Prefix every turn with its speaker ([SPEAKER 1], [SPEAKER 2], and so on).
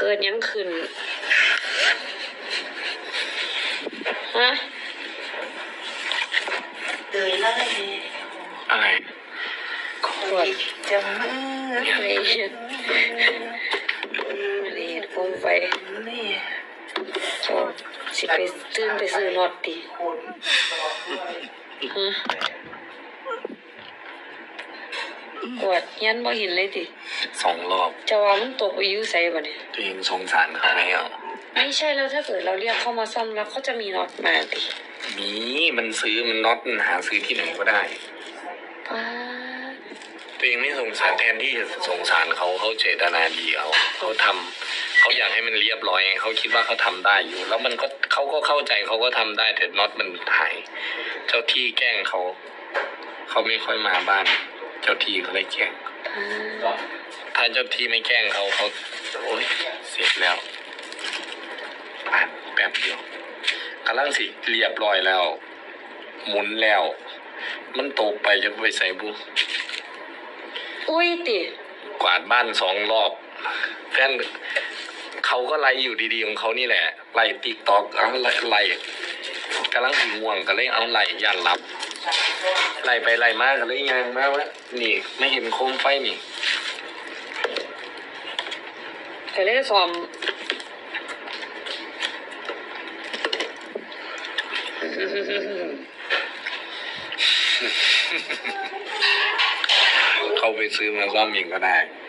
[SPEAKER 1] ดยังขึ้นฮะ
[SPEAKER 2] เดินแล้ว
[SPEAKER 3] อะไร
[SPEAKER 1] ขวด
[SPEAKER 2] จะมือ
[SPEAKER 1] อะไรอะไรโคมไฟจอดสิไปตื่นไปซื้อน็อตดิฮะกวดยันบ่เห็นเลยดิ
[SPEAKER 3] 2 รอบ
[SPEAKER 1] จะว่ามันตกไปอยู่ไสบ่เนี่ย
[SPEAKER 3] ตัวเองสงสารเขาไหมอ่ะ
[SPEAKER 1] ไม่ใช่แล้วถ้าเกิดเราเรียกเข้ามาซ่อมแล้วเขาจะมีน็อตมาดิ
[SPEAKER 3] มีมันซื้อมันน็อตมันหาซื้อที่ไหนก็ได้
[SPEAKER 1] ป้า
[SPEAKER 3] ตัวเองไม่สงสารแทนที่จะสงสารเขาเจตนาดีเขาทำเขาอยากให้มันเรียบร้อยเขาคิดว่าเขาทำได้อยู่ แล้วมันก็เขาก็เข้าใจเขาก็ทำได้แต่น็อตมันหายเจ้าที่แกล้งเขาไม่ค่อยมาบ้านเจ้าที่เขาเลยแกล้งถ้าเจ้าที่ไม่แกล้งเขาโอ๊ยเสร็จแล้วผ่านแป๊บเดียวกำลังสิเรียบร้อยแล้วหมุนแล้วมันตกไปจะไปใส่บุ
[SPEAKER 1] อุ้ยติ
[SPEAKER 3] กวาดบ้าน2 รอบแฟนเขาก็ไล่อยู่ดีๆของเขานี่แหละไล่ติ๊กตอกเอาไล่กำลังหิวง่วงก็เลยเอาไล่ย่านรับไล่ไปไล่มาก็เลยยางมากว่านี่ไม่เห็นโคมไฟนี่
[SPEAKER 1] ก็เลยซ้อม
[SPEAKER 3] เขาไปซื้อมาซ่อมเองก็ได้